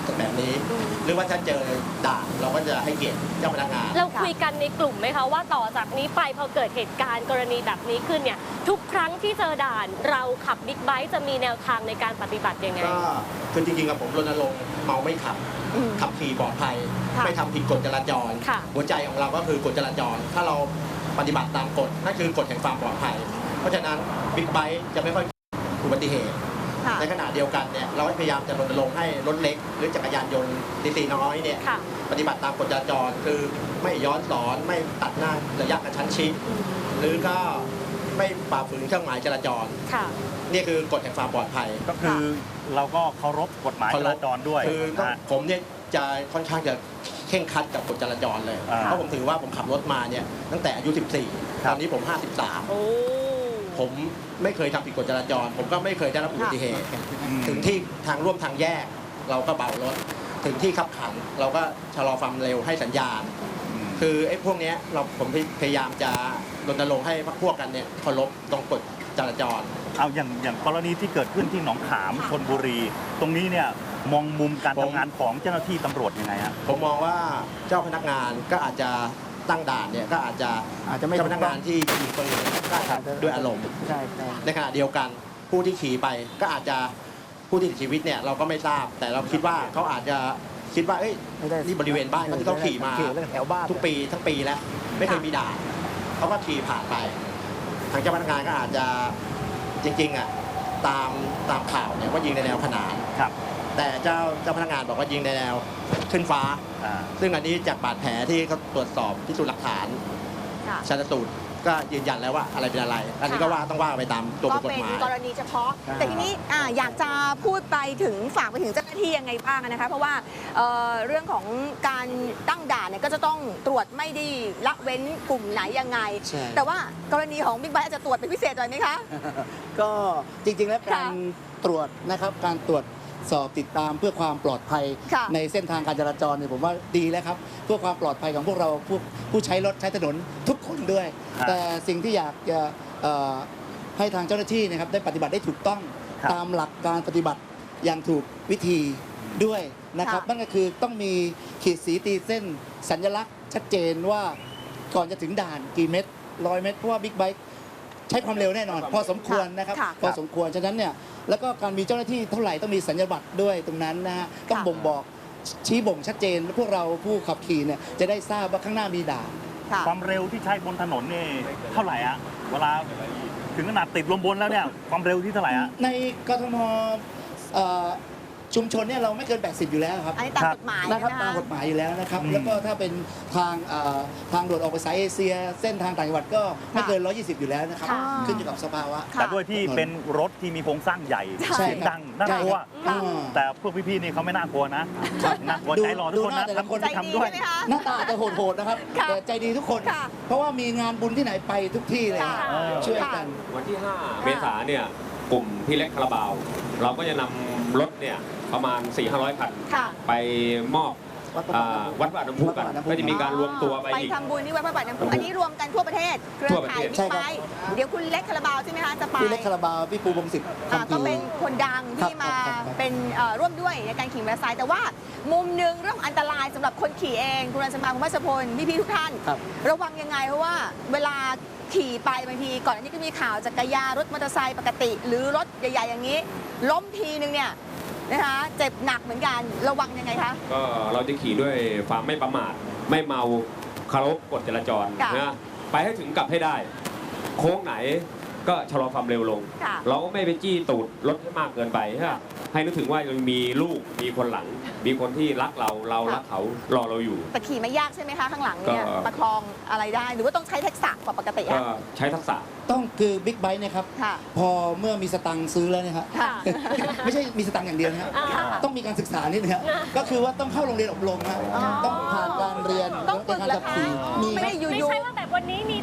[SPEAKER 8] แบบนี้ หรือว่าถ้าเจอด่านเราก็จะให้เกียรติเจ้าพนักงาน
[SPEAKER 4] เราคุยกันในกลุ่มไหมคะว่าต่อจากนี้ไปพอเกิดเหตุการณ์กรณีแบบนี้ขึ้นเนี่ยทุกครั้งที่เจอด่านเราขับบิ๊กไบค์จะมีแนวทางในการปฏิบัติยังไง
[SPEAKER 8] ก็คือจริงๆกับผมรณรงค์เมาไม่ขับ
[SPEAKER 3] อืม
[SPEAKER 8] ขับขี่ปลอดภัย
[SPEAKER 3] ค่ะ
[SPEAKER 8] ไม่ทำผิดกฎจราจร
[SPEAKER 4] ค่ะ
[SPEAKER 8] หัวใจของเราก็คือกฎจราจร ถ้าเราปฏิบัติตามกฎนั่นคือกฎแห่งความปลอดภัย เพราะฉะนั้นบิ๊กไบค์จะไม่ค่อยอุบัติเหตุ
[SPEAKER 3] ค่ะ
[SPEAKER 8] ในขณะเดียวกันเนี่ยเราพยายามจะรณรงค์ให้รถเล็ก หรือจักรยานยนต์ตีๆน้อยเนี่ย
[SPEAKER 4] ค่ะ
[SPEAKER 8] ปฏิบัติตามกฎจราจรคือไม่ย้อนสอนไม่ตัดหน้าระยะกระชั้นชิด หรือก็ไม่ฝ่าฝืนเครื่องหมายจราจร
[SPEAKER 4] ค่ะ
[SPEAKER 8] นี่คือกฎแห่งความปลอดภัย
[SPEAKER 2] ก็คือเราก็เคารพกฎหมายจราจรด้วย
[SPEAKER 8] คือ
[SPEAKER 2] นะฮะ
[SPEAKER 8] ผมเนี่ยจะค่อนข้างจะเข่งครัดกับกฎจราจรเลย
[SPEAKER 2] อ่า
[SPEAKER 8] เพราะผมถือว่าผมขับรถมาเนี่ยตั้งแต่อายุ สิบสี่
[SPEAKER 2] ครั
[SPEAKER 8] ต
[SPEAKER 2] บ
[SPEAKER 8] อนนี้ผม ห้าสิบสาม
[SPEAKER 4] โอ้
[SPEAKER 8] ผมไม่เคยทำผิดกฎจราจร ผมก็ไม่เคยได้รับอุบัติเหตุ
[SPEAKER 2] อืม
[SPEAKER 8] ถึงที่ทางร่วมทางแยก เราก็เบารถ ถึงที่ขับขัน เราก็ชะลอความเร็วให้สัญญาณ คือไอ้พวกเนี้ยเราผมพยายามจะรณรงค์ให้พรรคพวกกันเนี่ยเคารพตรงกฎจราจร
[SPEAKER 2] เอาอย่างอย่างกรณีที่เกิดขึ้นที่หนองขามชลบุรี ตรงนี้เนี่ยมองมุมการ
[SPEAKER 8] ผม
[SPEAKER 2] ทำงานของเจ้าหน้าที่ตำรวจยังไงฮะ
[SPEAKER 8] ผมมองว่าเจ้าพนักงานก็อาจจะตั้งด่านเนี่ยก็อาจจะ
[SPEAKER 5] อาจจะไม่
[SPEAKER 8] เจ้าพนักงานที่ยิงปืนก็อาจจะด้วยอารมณ์
[SPEAKER 5] ใช่ใช่
[SPEAKER 8] ในขณะเดียวกันผู้ที่ขี่ไปก็อาจจะผู้ที่เสียชีวิตเนี่ยเราก็ไม่ทราบ แต่เราคิดว่าเขาอาจจะคิดว่าเอ้ย
[SPEAKER 5] ไม่ได้
[SPEAKER 8] นี่บริเวณบ้านเขาที่เขาขี่มา
[SPEAKER 5] ขี่เรื่องแถวบ้าน
[SPEAKER 8] ทุกปีทั้งปีแล้วไม่เคยมีด่านเขาก็ขี่ผ่านไป ทางเจ้าพนักงานก็อาจจะจริงๆอ่ะตามตามข่าวเนี่ยว่ายิงในแนวขนาน
[SPEAKER 2] ครับ
[SPEAKER 8] แต่เจ้าเจ้าพนักงานบอกว่ายิงในแนวขึ้นฟ้า
[SPEAKER 2] อ่า
[SPEAKER 8] ซึ่งอันนี้จากบาดแผลที่เขาตรวจสอบพิสูจน์หลักฐาน
[SPEAKER 3] ค่ะ
[SPEAKER 8] ชันสูตรก็ยืนยันแล้วว่าอะไรเป็นอะไร อันนี้ก็ว่าต้องว่าไปตามตัว
[SPEAKER 3] ก็
[SPEAKER 8] บทกฎ
[SPEAKER 3] เป็น
[SPEAKER 8] หมาย
[SPEAKER 3] กรณีเฉพาะ แต่ทีนี้อ่าอยากจะพูดไปถึงฝากไปถึงเจ้าหน้าที่ยังไงบ้างนะคะ เพราะว่าเอ่อเรื่องของการตั้งด่านเนี่ยก็จะต้องตรวจไม่ได้ละเว้นกลุ่มไหนยังไง
[SPEAKER 5] ใช่
[SPEAKER 3] แต่ว่ากรณีของบิ๊กไบค์อาจจะตรวจเป็นพิเศษหน่อยไหมคะ
[SPEAKER 5] ก็จริงๆแล้ว
[SPEAKER 3] ค่ะ
[SPEAKER 5] การตรวจนะครับการตรวจสอบติดตามเพื่อความปลอดภัย
[SPEAKER 3] ค่ะ
[SPEAKER 5] ในเส้นทางการจราจรเนี่ยผมว่าดีแล้วครับเพื่อความปลอดภัยของพวกเราผู้ผู้ใช้รถใช้ถนนทุกคนด้วย
[SPEAKER 2] ครับ
[SPEAKER 5] แต่สิ่งที่อยากจะเอ่อให้ทางเจ้าหน้าที่นะครับได้ปฏิบัติได้ถูกต้อง
[SPEAKER 2] ครับ
[SPEAKER 5] ตามหลักการปฏิบัติอย่างถูกวิธีด้วยนะครับ
[SPEAKER 3] ค่ะ
[SPEAKER 5] นั่นก็คือต้องมีขีดสีตีเส้นสัญลักษณ์ชัดเจนว่าก่อนจะถึงด่านกี่เมตรร้อยเมตรเพราะว่าบิ๊กไบค์ใช้ความเร็วแน่นอน พอสมควรนะครับ
[SPEAKER 3] ค่ะ
[SPEAKER 5] พอสมควรฉะนั้นเนี่ยแล้วก็การมีเจ้าหน้าที่เท่าไหร่ต้องมีสัญญาบัตรด้วยตรงนั้นนะฮะต้อง
[SPEAKER 3] ค่ะ
[SPEAKER 5] บ่งบอกชี้บ่งชัดเจนพวกเราผู้ขับขี่เนี่ยจะได้ทราบว่าข้างหน้ามีด่าน
[SPEAKER 3] ค่ะ
[SPEAKER 2] ความเร็วที่ใช้บนถนนนี่เท่าไหร่อะเวลาถึงขนาดติดลมบนแล้วเนี่ยความเร็วที่เท่าไหร่อะ
[SPEAKER 5] ในกทมเอ่อชุมชนเนี่ยเราไม่เกิน แปดสิบ อยู่แล้วครับ
[SPEAKER 3] อันนี้ตาม
[SPEAKER 2] ครับ
[SPEAKER 3] กฎหมาย
[SPEAKER 5] นะครับ
[SPEAKER 3] นะ
[SPEAKER 5] ตาม
[SPEAKER 3] คะ
[SPEAKER 5] กฎหมายอยู่แล้วนะครับ
[SPEAKER 2] อืม
[SPEAKER 5] แล้วก็ถ้าเป็นทางเอ่อทางด่วนออกไปสายเอเชีย เส้นทางต่างจังหวัดก็ไม่เกิน หนึ่งร้อยยี่สิบ อยู่แล้วนะครับ
[SPEAKER 3] ค่ะ
[SPEAKER 5] ขึ้นอยู่กับสภาวะ
[SPEAKER 3] ค่ะ
[SPEAKER 2] แต่ด้วยที่เป็นรถที่มีโครงสร้างใหญ่
[SPEAKER 5] ใช่
[SPEAKER 2] เสียงดังน่ากลัว
[SPEAKER 5] ใช่ครับ
[SPEAKER 2] แต่พวกพี่ๆนี่เขาไม่น่ากลัวนะน่ากลัว
[SPEAKER 5] ดู
[SPEAKER 2] ใจรอทุกคนนะ
[SPEAKER 5] ดูหน้าแต่ละ
[SPEAKER 2] ทำคน
[SPEAKER 3] ใจ
[SPEAKER 2] ที่
[SPEAKER 3] ดี
[SPEAKER 2] ทำด้วย
[SPEAKER 3] ใช่ไหมคะ
[SPEAKER 5] หน้าตาอาจจะโหดๆนะครับ
[SPEAKER 3] ค่ะ
[SPEAKER 5] แต่ใจดีทุกคน
[SPEAKER 3] ค่ะ
[SPEAKER 5] เพราะว่ามีงานบุญที่ไหนไปทุกที่เลย
[SPEAKER 3] ค่ะ
[SPEAKER 2] เออ
[SPEAKER 5] ช่วยกัน
[SPEAKER 6] วันที่ ห้า เมษายนเนี่ยกลุ่มพี่เล็กคาราบาว เราก็จะนำรถเนี่ยประมาณ สี่ห้าร้อย คัน
[SPEAKER 3] ค่ะ
[SPEAKER 6] ไปมอบ
[SPEAKER 5] วัดพระ
[SPEAKER 6] อ่า
[SPEAKER 5] บาท
[SPEAKER 6] วัดพระบาทน้ำพุกัน
[SPEAKER 5] วัดพระบาทน้ำพุ
[SPEAKER 6] ก็จะมีการรวมตัวไป
[SPEAKER 3] ไป
[SPEAKER 6] อีก
[SPEAKER 3] ทำบุญที่วัดพระบาทน้ำพุอันนี้รวมกันทั่วประเทศเครือ
[SPEAKER 6] ทั่วประ
[SPEAKER 3] ข่าย
[SPEAKER 6] เทศ
[SPEAKER 3] บิ๊
[SPEAKER 5] ใช่
[SPEAKER 3] ก
[SPEAKER 5] ค
[SPEAKER 3] ไบ
[SPEAKER 5] รับ
[SPEAKER 3] ค์เดี๋ยวคุณเล็กคาราบาวใช่ไหมคะจะไป
[SPEAKER 5] พี่เล็กคาราบาวพี่ปูพงศิษฐ์
[SPEAKER 3] อ่า
[SPEAKER 5] คำ
[SPEAKER 3] ก็
[SPEAKER 5] พี
[SPEAKER 3] เป็นคนดัง
[SPEAKER 5] ครับ
[SPEAKER 3] ที่มา
[SPEAKER 5] ครับครับ
[SPEAKER 3] เป็นเอ่อร่วมด้วยในการขี่มอเตอร์ไซค์แต่ว่ามุมหนึ่งเรื่องอันตรายสำหรับคนขี่เองคุณรันสมาคุณวัชพลพี่ๆทุกท่าน
[SPEAKER 5] ครับ
[SPEAKER 3] ระวังยังไงเพราะว่าเวลาขี่ไปบางทีก่อนอันนี้ก็มีข่าวจักรยานรถมอเตอร์ไซค์ปกติ หรือรถใหญ่ๆอย่างนี้ ล้มทีนึงเนี่ยนะคะเจ็บหนักเหมือนกันระวังยังไงคะ
[SPEAKER 6] ก็เราจะขี่ด้วยความไม่ประมาท ไม่เมาเคารพกฎจราจร
[SPEAKER 3] ค่ะ
[SPEAKER 6] นะไปให้ถึงกลับให้ได้ โค้งไหนก็ชะลอความเร็วลง
[SPEAKER 3] ค่ะ
[SPEAKER 6] เราก็ไม่ไปจี้ตูดรถให้มากเกินไปฮะให้นึกถึงว่ายังมีลูกมีคนหลัง มีคนที่รักเราเรารักเขารอเราอยู่
[SPEAKER 3] แต่ขี่ไม่ยากใช่ไหมคะข้างหลังเนี่ย
[SPEAKER 6] ก็
[SPEAKER 3] ประคองอะไรได้ หรือว่าต้องใช้ทักษะกว่าปกติ
[SPEAKER 6] ก็
[SPEAKER 3] อะ
[SPEAKER 6] ใช้ทักษะ
[SPEAKER 5] ต้องคือบิ๊กไบค์เนี่ยครับ
[SPEAKER 3] ค่ะ
[SPEAKER 5] พอเมื่อมีสตังค์ซื้อแล้วเนี่ยครับ
[SPEAKER 3] ค่ะ
[SPEAKER 5] ไม่ใช่มีสตังค์อย่างเดียวนะครับ
[SPEAKER 3] ค่ะ
[SPEAKER 5] ต้องมีการศึกษานิดนึงครับก็คือว่าต้องเข้าโรงเรียนอบรมนะ
[SPEAKER 3] อ๋อ
[SPEAKER 5] ต้องผ่านการเรียน
[SPEAKER 3] ต้องฝึก
[SPEAKER 5] ใน
[SPEAKER 3] เหร
[SPEAKER 5] การ
[SPEAKER 3] อ
[SPEAKER 5] ขับ
[SPEAKER 3] คะ
[SPEAKER 5] ขี่มี
[SPEAKER 3] ไม่
[SPEAKER 5] ครั
[SPEAKER 3] ได้
[SPEAKER 5] บ
[SPEAKER 3] อยู่
[SPEAKER 4] ไม่
[SPEAKER 3] ๆ
[SPEAKER 4] ใช่ว่าแบบวันนี้มีตังค์ไป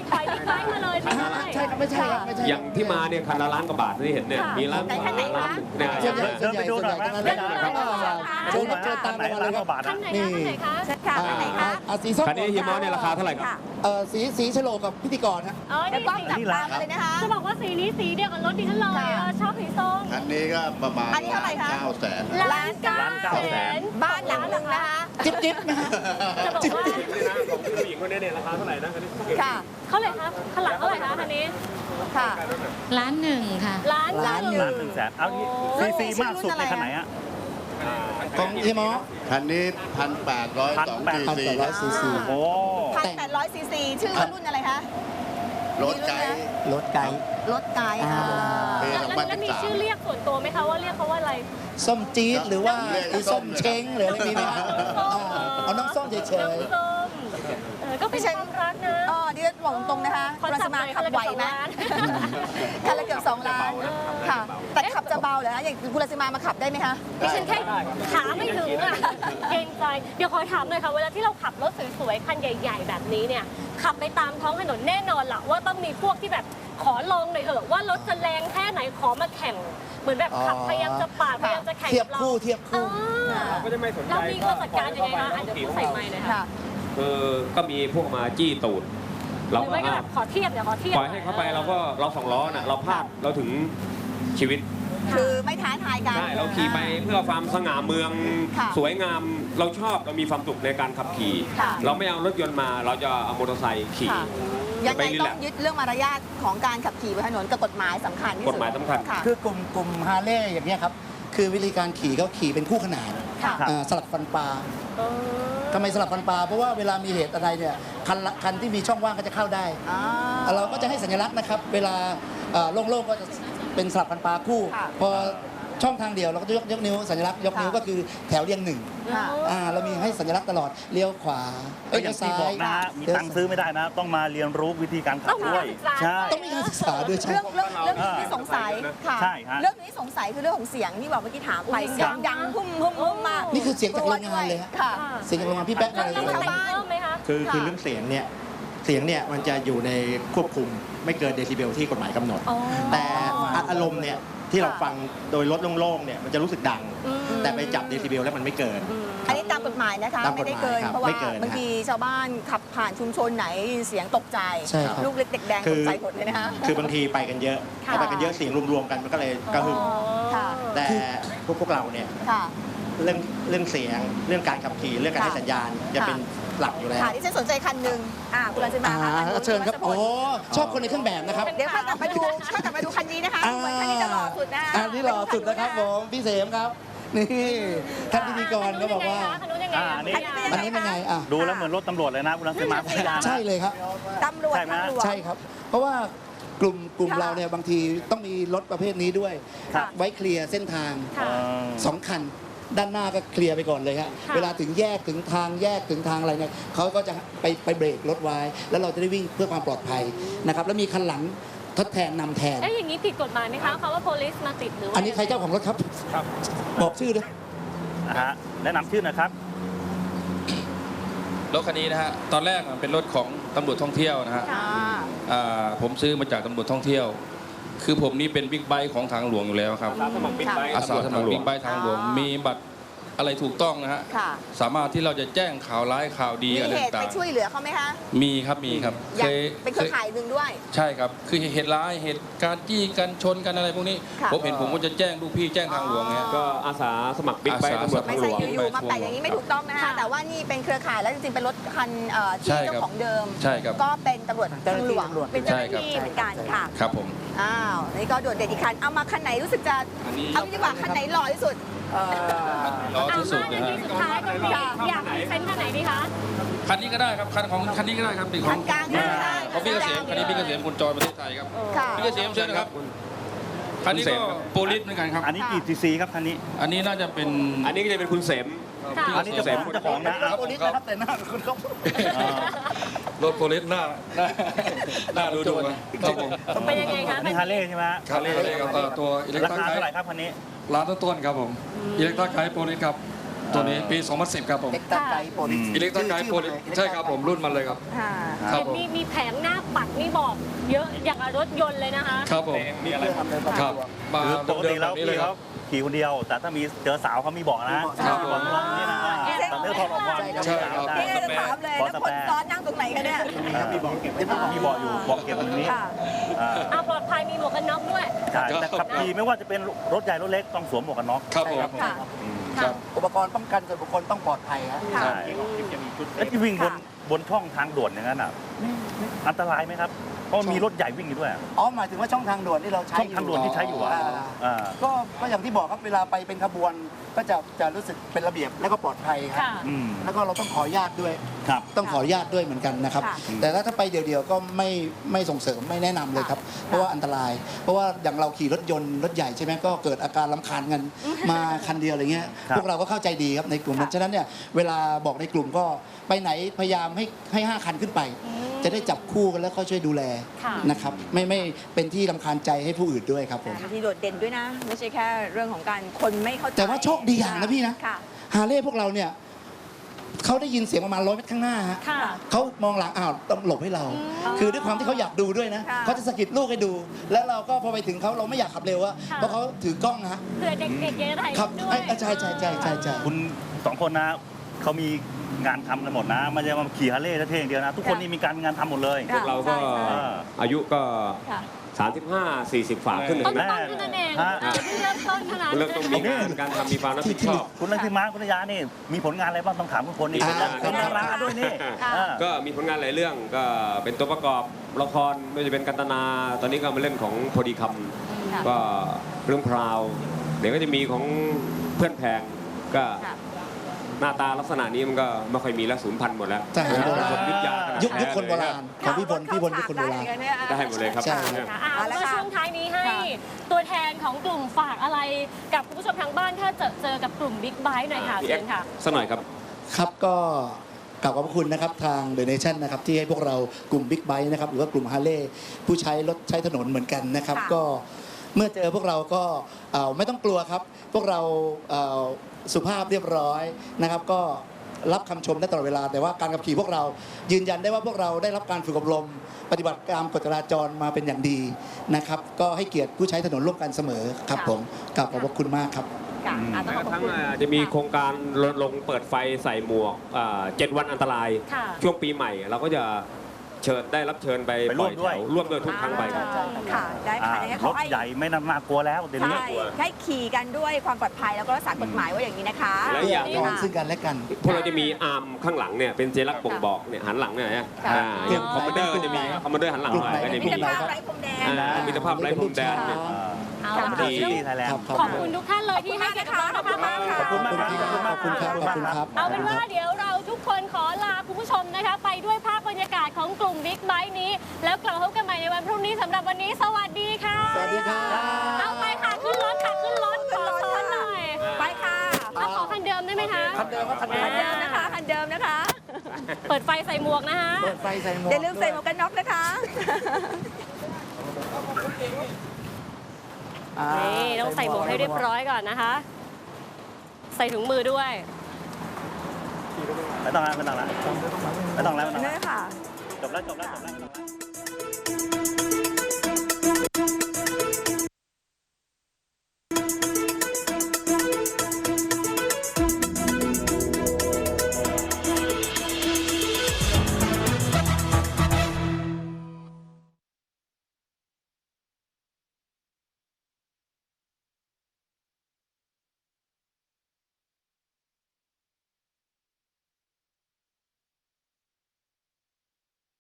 [SPEAKER 4] ถอยบิ๊กไบค์มาเลยไม่ใช่
[SPEAKER 5] ใช่ครับไม่ใช่ครับไม่ใช่
[SPEAKER 6] อย่างที่มาเนี่ยคันละล้านกว่าบาทที่เห็นเนี่ย
[SPEAKER 4] ค่ะ
[SPEAKER 6] มีร้าน
[SPEAKER 3] ไหนคันไหนคะ
[SPEAKER 6] ร้านเนี่ย
[SPEAKER 5] ส่วนใหญ่
[SPEAKER 2] เดินไปดูหน่อยไหม
[SPEAKER 5] ส่วนใหญ่ตรงนั้น
[SPEAKER 2] เดินไปดูหน่อย
[SPEAKER 5] เชิญครับเชิญตาม
[SPEAKER 2] ไหน
[SPEAKER 5] มาเล
[SPEAKER 2] ร้าน
[SPEAKER 5] ยค
[SPEAKER 2] ก
[SPEAKER 5] รับ
[SPEAKER 2] ว่าบาท
[SPEAKER 4] คัน
[SPEAKER 2] นะ
[SPEAKER 4] ไหนคะคันไหนคะ
[SPEAKER 3] ใช่ค่ะคันไหนคะ
[SPEAKER 5] อ่าสีส้ม
[SPEAKER 6] คันนี้เฮียมอสเนี่ยราคาเท่าไหร่ครับ
[SPEAKER 3] ค่ะ
[SPEAKER 5] เอ่อสีสีฉลกกับพิธีกรฮะ
[SPEAKER 4] เอ้ย
[SPEAKER 3] เดี๋ยวกล้องจับตามมาเลยนะคะ
[SPEAKER 4] จะบอกว่าสีนี้สีเดียวกับรถดิฉันเลย
[SPEAKER 3] ค่ะ
[SPEAKER 4] เออชอบสีส้ม
[SPEAKER 7] คันนี้ก็ประมาณ
[SPEAKER 3] อันนี้เท่าไหร่คะ
[SPEAKER 7] เก้าแสน
[SPEAKER 4] ล้านเก้า
[SPEAKER 2] ล้านเก้าแสน
[SPEAKER 3] บ้านหลังหนึ่งนะคะ
[SPEAKER 5] จิ๊บจิ๊บนะฮะ
[SPEAKER 4] จะบอกว่า
[SPEAKER 6] ของผู้หญิงคนนี้เนี่ยราคาเท่าไหร่นะคันนี้
[SPEAKER 3] ค่ะ
[SPEAKER 4] เท่าไหร่คะข้างหลังเท่าไหร่คะคันนี้
[SPEAKER 3] ค่ะ
[SPEAKER 1] ล้านหนึ่งค่ะ
[SPEAKER 4] ล้าน
[SPEAKER 5] ล้านหนึ่
[SPEAKER 2] ล้านหนึ่งแสนเอางี้ซีซีมากสุดในคันไหนฮะ
[SPEAKER 5] ของเฮียมอ
[SPEAKER 7] คันนี้พันแปดร้อยสองซีซี
[SPEAKER 5] พันแปดร้อยซีซี
[SPEAKER 2] โอ้
[SPEAKER 3] พันแปดร้อยซีซีชื่อว่ารุ่นอะไรคะ
[SPEAKER 7] รถไกด์
[SPEAKER 5] รถไกด์
[SPEAKER 3] รถไกด์ค่ะ
[SPEAKER 7] ปี
[SPEAKER 4] แล้ว
[SPEAKER 7] สอง
[SPEAKER 4] แล้ว
[SPEAKER 7] พัน
[SPEAKER 4] แล้ว
[SPEAKER 7] สิบ
[SPEAKER 4] มี
[SPEAKER 7] สาม
[SPEAKER 4] ชื่อเรียกส่วนตัวไหมคะว่าเรียกเขาว่าอะไร
[SPEAKER 5] ส้มจี๊ดหรือว่า
[SPEAKER 7] เรียก
[SPEAKER 5] อีส้มเช้งหรืออะไรมีไหมฮะ
[SPEAKER 4] ส้ม
[SPEAKER 5] อ่าเอาน้ำส้มเฉย
[SPEAKER 4] น้ำส้มเออก็เป็นความรักนะ
[SPEAKER 3] อ๋อเดี๋ยวบอกตรงๆนะคะ
[SPEAKER 4] ขอ
[SPEAKER 3] รั
[SPEAKER 4] จั
[SPEAKER 3] ส
[SPEAKER 4] บ
[SPEAKER 3] มา
[SPEAKER 4] หน่อย
[SPEAKER 3] ขับไหวไหม
[SPEAKER 4] คนละเกือบสองล้าน
[SPEAKER 3] คันละเกือบสองล้านค่ะ แต่ขับจะเบาเหรอคะอย่างคุณรัสมามาขับได้ไหมคะ
[SPEAKER 4] ดิฉันแค่ขาไม่ถึงอ่ะเกรงใจ เดี๋ยวขอถามหน่อยค่ะ เวลาที่เราขับรถสวยๆ คันใหญ่ ๆ แบบนี้เนี่ย ขับไปตามท้องถนนแน่นอนล่ะว่าต้องมีพวกที่แบบขอลองหน่อยเถอะว่ารถจะแรงแค่ไหนขอมาแข่ง เหมือนแบบขับพยายามจะปาดพยายามจะแข่ง
[SPEAKER 5] เทียบ
[SPEAKER 4] กับเรา
[SPEAKER 5] คู่เทียบคู่
[SPEAKER 4] อ่า
[SPEAKER 6] ก็จะไม่สนใจ
[SPEAKER 4] เรามีประสบการณ์ยังไงคะอาจจะพูดใส่ไมค์เลยค่ะ
[SPEAKER 3] ค่ะ
[SPEAKER 6] คือก็มีพวกมาจี้ตูด
[SPEAKER 4] ห
[SPEAKER 6] เรา
[SPEAKER 4] รือ
[SPEAKER 6] ก็
[SPEAKER 4] ไม่ก็แบบขอเทียบเดี๋ยวขอเทียบ
[SPEAKER 6] ปล่อยให้เขาไปเราก็เราสองล้อน่ะเราพลาดเราถึงชีวิต
[SPEAKER 3] คือไม่ท้าทายกัน
[SPEAKER 6] ใช่เราขี่ไปเพื่อความสง่าเมือง
[SPEAKER 3] ค่ะ
[SPEAKER 6] สวยงามเราชอบเรามีความสุขในการขับขี่
[SPEAKER 3] ค่ะ
[SPEAKER 6] เราไม่เอารถยนต์มาเราจะเอามอเตอร์ไซค์ขี่
[SPEAKER 3] ค่ะยังไง
[SPEAKER 6] ไปรี
[SPEAKER 3] ต้
[SPEAKER 6] แล
[SPEAKER 3] อก ง
[SPEAKER 6] ซ์
[SPEAKER 3] ยึดเรื่องมารยาทของการขับขี่บนถนนกับกฎหมายสำคัญที่สุด
[SPEAKER 6] กฎหมายสำคัญ
[SPEAKER 3] ค่ะ
[SPEAKER 5] คือกลุ่มกลุ่มฮาร์เลย์อย่างเงี้ยครับ คือวิธีการขี่เขาขี่เป็นคู่ขนาน
[SPEAKER 3] ค่ะ
[SPEAKER 5] อ่าสลับฟันปลา
[SPEAKER 4] เออ
[SPEAKER 5] ทำไมสลับฟันปลา เพราะว่าเวลามีเหตุอะไรเนี่ยคันละคันที่มีช่องว่างก็จะเข้าได้
[SPEAKER 3] อ่า
[SPEAKER 5] เราก็จะให้สัญลักษณ์นะครับ เวลาเอ่อโล่งๆก็จะเป็นสลับฟันปลาคู่
[SPEAKER 3] ค่ะ
[SPEAKER 5] พอช่องทางเดียวเราก็จะยกยกนิ้วสัญลักษณ์ยกนิ้ว
[SPEAKER 3] ค่ะ
[SPEAKER 5] ก็คือแถวเรียงหนึ่ง
[SPEAKER 3] ค่ะ
[SPEAKER 5] อ่าเรามีให้สัญลักษณ์ตลอดเลี้ยวขวา
[SPEAKER 2] ก็
[SPEAKER 5] เอ้ย
[SPEAKER 2] อ
[SPEAKER 5] เลี้
[SPEAKER 2] ย่าย ง
[SPEAKER 5] ว
[SPEAKER 2] ที่
[SPEAKER 5] ซ้า
[SPEAKER 2] บอก
[SPEAKER 5] ย
[SPEAKER 2] นะฮะมีตังค์ซื้อไม่ได้นะ ต้องมาเรียนรู้วิธีการขับ
[SPEAKER 4] ต้องมี
[SPEAKER 2] ด้วย
[SPEAKER 4] การศึกษา
[SPEAKER 2] ใช่
[SPEAKER 5] ต้องมีการศึกษาด้วยใช่
[SPEAKER 3] เรื่องเรื่องเรื่องนี้ที่สงสัยค่ะ
[SPEAKER 2] ใช่ฮะ
[SPEAKER 3] เรื่องนี้สงสัยคือเรื่องของเสียงที่บอกเมื่อกี้ถามไปเสียงดังพุ่มพุ่มพุ่มมาก
[SPEAKER 5] นี่คือเสียงจากโรงงานเลยฮะ
[SPEAKER 3] ค่ะ
[SPEAKER 5] เสียงจากโรงงานพี่แป๊ะ
[SPEAKER 4] เรา
[SPEAKER 5] เลย
[SPEAKER 4] เราแต่งเพิ่มไหมคะ
[SPEAKER 8] คือคือ
[SPEAKER 3] ค่ะ
[SPEAKER 8] เรื่องเสียงเนี่ยเสียงเนี่ยมันจะอยู่ในควบคุมไม่เกินเดซิเบลที่กฎหมายกำหนด
[SPEAKER 3] อ๋อ
[SPEAKER 8] แต่อารมณ์เนี่ยที่เราฟังโดยรถโล่งๆเนี่ยมันจะรู้สึกดัง
[SPEAKER 4] อืม
[SPEAKER 8] แต่ไปจับเดซิเบลแล้วมันไม่เกิน
[SPEAKER 3] อันนี้ตามกฎหมายนะคะ
[SPEAKER 8] ตามก
[SPEAKER 3] ไม่
[SPEAKER 8] ฎหมาย
[SPEAKER 3] ได้เกิน
[SPEAKER 8] ครับ
[SPEAKER 3] เพราะว่า
[SPEAKER 8] ไม่เกินนะ
[SPEAKER 3] บางทีชาวบ้านขับผ่านชุมชนไหนได้ยินเสียงตกใจ
[SPEAKER 5] ใช่ครับ
[SPEAKER 3] ลูกเล็กเด็กแดง
[SPEAKER 8] คื
[SPEAKER 3] ต
[SPEAKER 8] อ
[SPEAKER 3] กใจหมดเลยนะคะ
[SPEAKER 8] คือบางทีไปกันเยอะ
[SPEAKER 4] ค่ะ
[SPEAKER 8] พอไปกันเยอะเสียงรวมๆกันมันก็เลยกระหึ่ม
[SPEAKER 3] ค่ะ
[SPEAKER 8] แต่พวกพวกเราเนี่ย
[SPEAKER 3] ค่ะ
[SPEAKER 8] เรื่องเรื่องเสียงเรื่องการขับขี่เรื่องการให้สัญญาณจะเป็นหลักอยู่แล้ว
[SPEAKER 3] ค่ะที่ฉันสนใจคันหนึ่งอ่าคุณรังสิมา
[SPEAKER 5] อ่า
[SPEAKER 3] ค่ะคันนู้น
[SPEAKER 5] เชิญครับ
[SPEAKER 3] ณวัชพ
[SPEAKER 5] โอ้
[SPEAKER 3] ล
[SPEAKER 5] ชอบคนในเครื่องแบบนะครับ
[SPEAKER 3] เดี๋ยวข้ากลับมาดูข้ากลับมาดูคันนี้นะคะดูเหมือนคันนี้จะหล่อสุดนะคะ
[SPEAKER 5] อันนี้หล่อสุดนะครับผมพี่เสมครับ นี่ท่านพิธีกรก็บอกว่า
[SPEAKER 4] คันนู้นยังไง
[SPEAKER 2] อ่า
[SPEAKER 4] คะ
[SPEAKER 2] นี่
[SPEAKER 5] อันนี้เป็นไงอ่ะ
[SPEAKER 2] ดูแล้วเหมือนรถตำรวจเลยนะคุณรังสิมาพยาน
[SPEAKER 5] ใช่เลยครับ
[SPEAKER 3] ตำรวจ
[SPEAKER 2] ใช่ไหม
[SPEAKER 3] ทางหลวง
[SPEAKER 5] ใช่ครับ เพราะว่ากลุ่มกลุ่ม
[SPEAKER 3] ค่ะ
[SPEAKER 5] เราเนี่ยบางทีต้องมีรถประเภทนี้ด้วย
[SPEAKER 2] ครับ
[SPEAKER 5] ไว้เคลียร์เส้นทาง
[SPEAKER 2] เออ
[SPEAKER 5] สองคัน ด้านหน้าก็เคลียร์ไปก่อนเลยฮะ
[SPEAKER 4] ค่ะ
[SPEAKER 5] เวลาถึงแยกถึงทางแยกถึงทางอะไรเนี่ยเขาก็จะไปไปเบรกรถไว้ แล้วเราจะได้วิ่งเพื่อความปลอดภัยนะครับแล้วมีคันหลังทดแทนนำแทน
[SPEAKER 4] เอ๊ะอย่างนี้ผิดกฎหมายไหมคะคำว่า police มาติดหรือว่า
[SPEAKER 5] อันนี้ใครเจ้าของรถครับ
[SPEAKER 6] ครับ
[SPEAKER 5] บอกชื่อด้วย
[SPEAKER 2] นะฮะแนะนำชื่อหนะครับ
[SPEAKER 9] รถคันนี้นะฮะ ตอนแรกมันเป็นรถของตำรวจท่องเที่ยวนะฮะ
[SPEAKER 3] ค่ะ
[SPEAKER 9] อ่าผมซื้อมาจากตำรวจท่องเที่ยว คือผมนี่เป็นบิ๊กไบค์ของทางหลวงอยู่แล้วครับ
[SPEAKER 6] อาสาสมัครบิ๊กไบค์
[SPEAKER 9] อาสาสมัครบิ๊กไบ
[SPEAKER 6] ค์
[SPEAKER 9] ค์ทางหลวง
[SPEAKER 3] อ๋อ
[SPEAKER 9] มีบัตรอะไรถูกต้องนะฮะ
[SPEAKER 3] ค่ะ
[SPEAKER 9] สามารถที่เราจะแจ้งข่าวร้ายข่าวดี
[SPEAKER 3] มี
[SPEAKER 9] อะไร
[SPEAKER 3] เหตุไป
[SPEAKER 9] ต่าง
[SPEAKER 3] ช่วยเหลือเขาไหมคะ
[SPEAKER 9] ๆมีครับ มีครับ
[SPEAKER 3] อย่างเป็นเครือข่ายหนึ่งด้วย
[SPEAKER 9] ใช่ครับ คือเหตุร้ายเหตุการณ์จี้กันชนกันอะไรพวกนี้
[SPEAKER 3] ค่ะ
[SPEAKER 9] ผมเห็นผมก็จะแจ้งลูกพี่แจ้งทางหลวงเนี่ย
[SPEAKER 6] ก็อาสาสมัครบิ๊กไบค์
[SPEAKER 9] อาสา
[SPEAKER 6] ตำรวจ
[SPEAKER 3] ไม่
[SPEAKER 6] ทางหล
[SPEAKER 3] ใช่
[SPEAKER 6] วง
[SPEAKER 3] อยู่ๆมาแปะอย่างนี้ไม่ถูกต้องนะคะ
[SPEAKER 4] ค่ะ
[SPEAKER 3] แต่ว่านี่เป็นเครือข่ายแล้วจริงๆเป็นรถคันเอ่อที่
[SPEAKER 9] ใช่ครับ
[SPEAKER 3] เจ้าของเดิม
[SPEAKER 9] ใช่ครับ
[SPEAKER 3] ก็เป็นตำรวจทางหลวง เป็นเจ้าหน้า
[SPEAKER 9] ใช่ครับ
[SPEAKER 3] ที่เหมือนกันค่ะ
[SPEAKER 9] ครับผม
[SPEAKER 3] อ้าวนี่ก็โดดเด่นอีกคัน เอามาคันไหนรู้สึกจะ
[SPEAKER 9] อันนี้
[SPEAKER 3] เอางี้ดีกว่าคันไหนหล่อที่สุด
[SPEAKER 9] ล้อ
[SPEAKER 4] เอา
[SPEAKER 9] ที่สุด
[SPEAKER 4] มา
[SPEAKER 9] นะ
[SPEAKER 4] นา
[SPEAKER 9] ฮะ
[SPEAKER 4] ทีสุดท้ายคุณพี่อยากพรีเซนต์คันไหนดีคะ
[SPEAKER 9] คันนี้ก็ได้ครับ คันของคันนี้ก็ได้ครับนี่ข
[SPEAKER 3] คั
[SPEAKER 9] อง
[SPEAKER 3] นกลางนี่ก็ได้
[SPEAKER 9] ของพี่เกษมคันนี้พี่เกษมคุณจอยประเทศไทยครับ
[SPEAKER 3] ค่ะ
[SPEAKER 9] พี่เกษมเชิญนะครับ คันนี้ก็โปลิสเหมือนกันครับ
[SPEAKER 2] อันนี้กี่ซีซีครับคันนี้
[SPEAKER 9] อันนี้น่าจะเป็น
[SPEAKER 6] อันนี้ก็จะเป็นคุณเสม
[SPEAKER 4] ค่ะ
[SPEAKER 2] อันนี้เจ้าของเจ้าของนะ
[SPEAKER 5] รถโปลิสนะครับแต่หน้าคุณเขา
[SPEAKER 9] รถโปลิสหน้าหน้าหน้าดูดูครับผม
[SPEAKER 4] เป็นยังไงคะ
[SPEAKER 2] อันนี้ฮาร์เลย์ใช่ไหมฮะ
[SPEAKER 9] คันนี้เลยครับตัวอิเล็ก
[SPEAKER 2] รา
[SPEAKER 9] ทรอ
[SPEAKER 2] คา
[SPEAKER 9] นิก
[SPEAKER 2] เท่าไหร่
[SPEAKER 9] ส์
[SPEAKER 2] ครับคันนี้
[SPEAKER 9] ร้านต้นๆครับผมอิเล็กทรอนิกส์โปลิสครับตัวนี้ปี สองพันสิบ ครับผม
[SPEAKER 5] เอ็กซ์ตร้าไกด์โปรลิ
[SPEAKER 9] อิเล็กตร้าไกด์โปรลิใช่ครับผมรุ่นมันเลยครับ
[SPEAKER 3] ค่ะ
[SPEAKER 9] ครับผม
[SPEAKER 4] มีมีแผงหน้าปัดนี่บอก เยอะอย่างกับรถยนต์เลยนะคะ
[SPEAKER 9] ครับผม
[SPEAKER 2] มีอะไร
[SPEAKER 5] เพื่อทำในครอบค
[SPEAKER 9] ค
[SPEAKER 5] รั
[SPEAKER 9] รับ
[SPEAKER 5] ว
[SPEAKER 9] มา
[SPEAKER 2] คือปก
[SPEAKER 9] เดิ
[SPEAKER 2] ติ
[SPEAKER 9] มๆแบ
[SPEAKER 2] แล้ว
[SPEAKER 9] บนี้เล
[SPEAKER 2] พี่
[SPEAKER 9] ยค
[SPEAKER 2] เขา
[SPEAKER 9] รับ
[SPEAKER 2] ขี่คนเดียว แต่ถ้ามีเจอสาวเขามีบอกนะ
[SPEAKER 5] ครับ
[SPEAKER 2] บอกน้องนี่นะแต่เรื่องพอบอกว่า
[SPEAKER 9] ใช่ครับ
[SPEAKER 3] นี่จะถามเลย
[SPEAKER 2] บอ
[SPEAKER 3] แล้
[SPEAKER 2] ส
[SPEAKER 3] ว
[SPEAKER 2] แป
[SPEAKER 3] คน
[SPEAKER 2] ร์
[SPEAKER 3] ซ้อนนั่งตรงไหนคะเนี่ย
[SPEAKER 2] มีบอกเก็บมีบอกอยู่บอกเก็บตรงนี้
[SPEAKER 3] ค่ะ
[SPEAKER 2] อ่า
[SPEAKER 4] อ่าปลอดภัยมีหมวกกันน็อกด้วย
[SPEAKER 2] ใช่แต่ขับขี่ไม่ว่าจะเป็นรถใหญ่รถเล็กต้องสวมหมวกกันน็อก
[SPEAKER 9] ครับผม
[SPEAKER 3] ค่ะ
[SPEAKER 2] อืม
[SPEAKER 9] ครับ
[SPEAKER 5] อุปกรณ์ป้องกันส่วนบุคคลต้องปลอดภัยฮะ
[SPEAKER 3] ค่ะ
[SPEAKER 2] ใช่แล้วที่วิ่งบนบนช่องทางด่วนอย่างนั้นอ่ะอันตรายไหมครับเพราะมันมีรถใหญ่วิ่งอยู่ด้วยอะ
[SPEAKER 5] อ๋อหมายถึงว่าช่องทางด่วนที่เราใช้
[SPEAKER 2] ช่องทางด่วนที่ใช้อยู่อ่ะ
[SPEAKER 5] อ่า
[SPEAKER 2] อ่า
[SPEAKER 5] ก็ก็อย่างที่บอกครับเวลาไปเป็นขบวนก็จะจะรู้สึกเป็นระเบียบแล้วก็ปลอดภัยครับ
[SPEAKER 4] ค่ะ
[SPEAKER 2] อืม
[SPEAKER 5] แล้วก็เราต้องขออนุญาตด้วย
[SPEAKER 2] ครับ
[SPEAKER 5] ต้องขออนุญาตด้วยเหมือนกันนะครับ
[SPEAKER 3] ค่ะ
[SPEAKER 5] แต่ถ้าถ้าไปเดี่ยวๆก็ไม่ไม่ส่งเสริมไม่แนะนำเลยครับ เพราะว่าอันตราย เพราะว่าอย่างเราขี่รถยนต์รถใหญ่ใช่ไหมก็เกิดอาการรำคาญกันมาคันเดียวอะไรเงี้ย
[SPEAKER 2] ครับ
[SPEAKER 5] พวกเราก็เข้าใจดีครับในกลุ่มนั้นฉะนั้นเนี่ยเวลาบอกในกลุ่มก็ไปไหนพยายามให้ให้ห้าคันขึ้นไป จะได้จับคู่กันแล้วก็ช่วยดูแล
[SPEAKER 4] ค่ะ
[SPEAKER 5] นะครับไม่ไม่เป็นที่รำคาญใจให้ผู้อื่นด้วยครับผม
[SPEAKER 3] บางทีโดดเด่นด้วยนะ ไม่ใช่แค่เรื่องของการคนไม่เข้าใจ
[SPEAKER 5] แต่ว่าโชคดีอย่างนะพี่นะ
[SPEAKER 3] ค่ะ
[SPEAKER 5] ฮาร์เลย์พวกเราเนี่ยเขาได้ยินเสียงประมาณร้อยเมตรข้างหน้าฮะ
[SPEAKER 4] ค่ะ
[SPEAKER 5] เขามองหลังอ้าวต้องหลบให้เรา คือด้วยความที่เขาอยากดูด้วยนะ
[SPEAKER 3] ค่ะ
[SPEAKER 5] เขาจะสะกิดลูกให้ดู แล้วเราก็พอไปถึงเขาเราไม่อยากขับเร็วอะ
[SPEAKER 4] ค่ะ
[SPEAKER 5] เพราะเขาถือกล้องฮะ
[SPEAKER 4] เผื่อเด็กๆจะได้ถ่าย
[SPEAKER 5] ครับ
[SPEAKER 4] ด้วย
[SPEAKER 5] ไอ้ใช่ใช่ใช่ใช่ใช่
[SPEAKER 2] คุณสองคนนะเขามีงานทำกันหมดนะไม่ใช่ว่าขี่ฮาร์เลย์เท่อย่างเดียวนะ ทุกคนนี่มีการงานทำหมดเลย
[SPEAKER 6] พวกเราก็
[SPEAKER 3] ใช่ใช่
[SPEAKER 2] อ่า
[SPEAKER 6] อายุก็
[SPEAKER 3] ค่ะ
[SPEAKER 6] สามสิบห้า สี่สิบฝาขึ้น
[SPEAKER 4] ต้น
[SPEAKER 6] นะ
[SPEAKER 4] ต้นๆเท่านั้นเอง
[SPEAKER 2] ฮะ
[SPEAKER 4] อ่าเพิ่งเริ่มต้นเท่านั้น
[SPEAKER 6] เริ่มต้องมีงานการทำมีความรับผิดชอบ
[SPEAKER 2] คุณลังสิมาคุณนยานี่มีผลงานอะไรบ้างต้องถามทุกคนนี่เป็น
[SPEAKER 6] อ่า
[SPEAKER 2] เป็นดาราด้วยนี่
[SPEAKER 4] ค่ะ
[SPEAKER 2] อ่า
[SPEAKER 6] ก็มีผลงานหลายเรื่องก็เป็นตัวประกอบละครไม่ว่าจะเป็นกันตนา ตอนนี้ก็มาเล่นของพอดีค
[SPEAKER 3] ค่ะ
[SPEAKER 6] ำก็เรื่องพราว เดี๋ยวก็จะมีของเพื่อนแพงก็
[SPEAKER 3] ค่ะ
[SPEAKER 6] หน้าตาลักษณะนี้มันก็ไม่ค่อยมีแล้วสูญพันธุ์หมดแล้ว
[SPEAKER 5] ใช่ครับ
[SPEAKER 6] คนวิทยาขนาด
[SPEAKER 5] ยุค
[SPEAKER 6] แท้
[SPEAKER 5] ยุคคนโบราณของพี่พลพี่พลยุคคนโบราณ
[SPEAKER 6] ได้หมดเลยครับ
[SPEAKER 5] ใช่
[SPEAKER 4] ค่ะอ่า
[SPEAKER 3] เอาละ
[SPEAKER 4] แล้ว
[SPEAKER 3] ค่ะ
[SPEAKER 4] ช่วงท้ายนี้ให้
[SPEAKER 3] ค่ะ
[SPEAKER 4] ตัวแทนของกลุ่มฝากอะไรกับคุณผู้ชมทางบ้านถ้าเจอเจอกับกลุ่มบิ๊กไบค์หน่อยค่ะ
[SPEAKER 6] พี่
[SPEAKER 4] เชิ
[SPEAKER 6] เอ็ก
[SPEAKER 4] ญ
[SPEAKER 6] ซ์
[SPEAKER 4] ค่ะ
[SPEAKER 6] สักหน่อยครับ
[SPEAKER 5] ครับก็กล่าวขอบพระคุณนะครับทาง The Nation นะครับที่ให้พวกเรากลุ่ม Big Bike นะครับหรือว่ากลุ่มฮาร์เลย์ผู้ใช้รถใช้ถนนเหมือนกันนะครับ
[SPEAKER 3] ค่ะ
[SPEAKER 5] ก็เมื่อเจอพวกเราก็เอ่อไม่ต้องกลัวครับ พวกเราเอ่อสุภาพเรียบร้อยนะครับ ก็รับคำชมได้ตลอดเวลา แต่ว่าการขับขี่พวกเรายืนยันได้ว่าพวกเราได้รับการฝึกอบรม ปฏิบัติตามกฎจราจรมาเป็นอย่างดีนะครับ ก็ให้เกียรติผู้ใช้ถนนร่วมกันเสมอครับผมกราบขอบพระคุณมากครับ
[SPEAKER 3] ค่ะอ่าต้อง
[SPEAKER 6] แม้
[SPEAKER 3] ข
[SPEAKER 6] ก
[SPEAKER 3] อบ
[SPEAKER 6] ระทั่ง
[SPEAKER 3] คุณ
[SPEAKER 6] อ่าจะมีโครงการรณรงค์เปิดไฟใส่หมวกอ่าเจ็ดวันอันตราย
[SPEAKER 4] ค่ะ
[SPEAKER 6] ช่วงปีใหม่เราก็จะเชิญได้รับเชิญไป
[SPEAKER 2] ไป
[SPEAKER 6] ป
[SPEAKER 2] ร่
[SPEAKER 6] ล่
[SPEAKER 2] ว
[SPEAKER 6] อ
[SPEAKER 2] ม
[SPEAKER 6] ย
[SPEAKER 2] ด้วย
[SPEAKER 6] แถวร่วมด้วยทุกครั้งไปครับ
[SPEAKER 3] ค่ะ ได้
[SPEAKER 2] อ่า
[SPEAKER 3] ค่ะยังไงข
[SPEAKER 2] ร
[SPEAKER 3] อ
[SPEAKER 2] ถ
[SPEAKER 3] ให้
[SPEAKER 2] ใหญ่ไม่น่ากลัวแล้วเดี๋ยวนี้
[SPEAKER 3] ใช่ให้ขี่กันด้วยความปลอดภัยแล้วก็รักษากฎหมายไว้อย่างนี้นะคะ
[SPEAKER 6] และอีกอย่าง
[SPEAKER 5] ระวังซึ่งกันและกัน
[SPEAKER 6] พวกเราจะมีอาร์มข้างหลังเนี่ยเป็นเจลักษณ์บ่งบอกเนี่ยหันหลังเนี่ยนะ
[SPEAKER 3] ค่ะ
[SPEAKER 6] อ่าอย่างคอมมานเดอร์ก็จะมีคอมมานเดอร์หันหลังหน่อยก็จะ
[SPEAKER 3] มิ
[SPEAKER 6] มี
[SPEAKER 3] ตรภาพไร้พรมแดน
[SPEAKER 6] อ่ามิตรภาพไร้พรมแดนเนี่ย
[SPEAKER 4] เอา
[SPEAKER 2] คอม
[SPEAKER 4] ละ
[SPEAKER 2] เมดี้ไทยแลนด์
[SPEAKER 5] ครับ
[SPEAKER 4] ขอบคุณทุกท่านเลยที่ให้เกียรติกับเรานะคะ
[SPEAKER 2] ขอบคุณมากครับ
[SPEAKER 5] ขอบคุณครับขอบคุณครับ
[SPEAKER 4] เอาเป็นว่าเดี๋ยวเราทุกคนขอลาคุณผู้ชมนะคะ ไปด้วยภาพบรรยากาศของกลุ่มบิ๊กไบค์นี้ แล้วกลับมาพบกันใหม่ในวันพรุ่งนี้สำหรับวันนี้ สวัสดีค่ะ
[SPEAKER 5] สวัสดีครับ
[SPEAKER 4] เอาไปค่ะขึ้นรถค่ะขึ้นรถขอซ้อนหน่อย
[SPEAKER 3] ไปค่ะ
[SPEAKER 4] เอาขอคันเดิมได้ไหมคะ
[SPEAKER 5] คันเดิมครับคันเดิ
[SPEAKER 3] คันเดิมนะคะคันเดิมนะคะ
[SPEAKER 4] เปิดไฟใส่หมวกนะคะ
[SPEAKER 5] เปิดไฟใส่หมวก
[SPEAKER 3] อย่าลืมใส่หมวกกันน็อกนะคะ
[SPEAKER 5] อ่า
[SPEAKER 4] นี่ต้องใส่หมวกให้เรียบร้อยก่อนนะคะ ใส่ถุงมือด้วย
[SPEAKER 2] ไม่ต้องแล้วไม่ต้องแล้วไม่ต้องแล้วไม่ต้องแล้ว
[SPEAKER 3] นี่ค่ะ
[SPEAKER 2] จบแล้วจบแล้วจบแล้ว